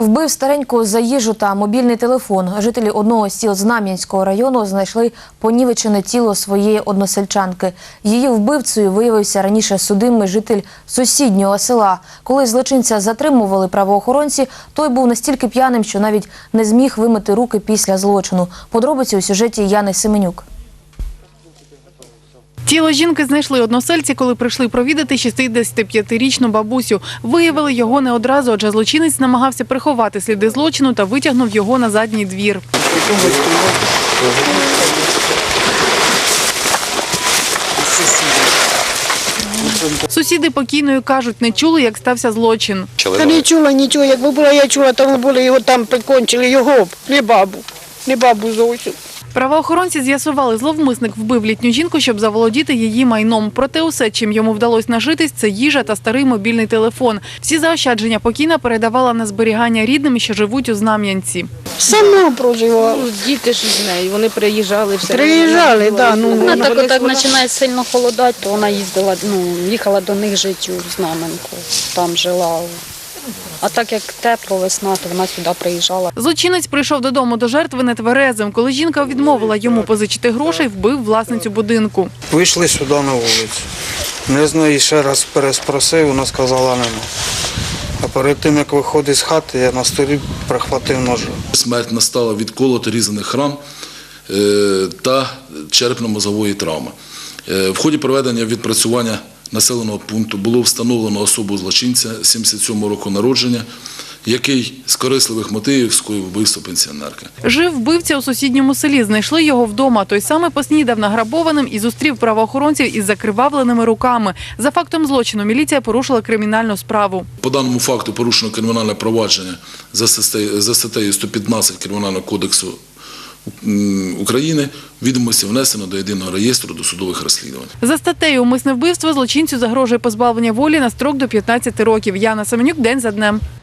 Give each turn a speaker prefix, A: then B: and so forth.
A: Вбив стареньку за їжу та мобільний телефон. Жителі одного з сіл Знам'янського району знайшли понівечене тіло своєї односельчанки. Її вбивцею виявився раніше судимий житель сусіднього села. Коли злочинця затримували правоохоронці, той був настільки п'яним, що навіть не зміг вимити руки після злочину. Подробиці у сюжеті Яни Семенюк.
B: Тіло жінки знайшли односельці, коли прийшли провідати 65-річну бабусю. Виявили його не одразу, адже злочинець намагався приховати сліди злочину та витягнув його на задній двір. Сусіди покійної кажуть, не чули, як стався злочин.
C: Та не чула нічого, якби була я чула, то були його там прикончили, його, не бабу зовсім.
B: Правоохоронці з'ясували, зловмисник вбив літню жінку, щоб заволодіти її майном. Проте усе, чим йому вдалося нажитись, це їжа та старий мобільний телефон. Всі заощадження покійна передавала на зберігання рідним, що живуть у Знам'янці.
C: Сама проживала.
D: Діти ж з нею, вони приїжджали.
C: Приїжджали, так.
D: Вона так починає сильно холодати, то вона їхала до них жити у Знаменку, там жила. А так як тепло, весна, то вона сюди приїжджала.
B: Злочинець прийшов додому до жертви нетверезим. Коли жінка відмовила йому позичити грошей, вбив власницю будинку.
E: Вийшли сюди на вулицю. Не знаю, ще раз переспросив, вона сказала нема. А перед тим, як виходить з хати, я на столі прихватив ножа.
F: Смерть настала від колоту різаних ран та черепно-мозової травми. В ході проведення відпрацювання населеного пункту було встановлено особу злочинця 77 року народження, який з корисливих мотивів скоїв вбивство пенсіонерки.
B: Жив вбивця у сусідньому селі. Знайшли його вдома. Той саме поснідав награбованим і зустрів правоохоронців із закривавленими руками. За фактом злочину міліція порушила кримінальну справу.
F: По даному факту порушено кримінальне провадження за статтею 115 Кримінального кодексу України, відомості внесено до єдиного реєстру досудових розслідувань.
B: За статтею «Умисне вбивство» злочинцю загрожує позбавлення волі на строк до 15 років. Яна Семенюк, день за днем.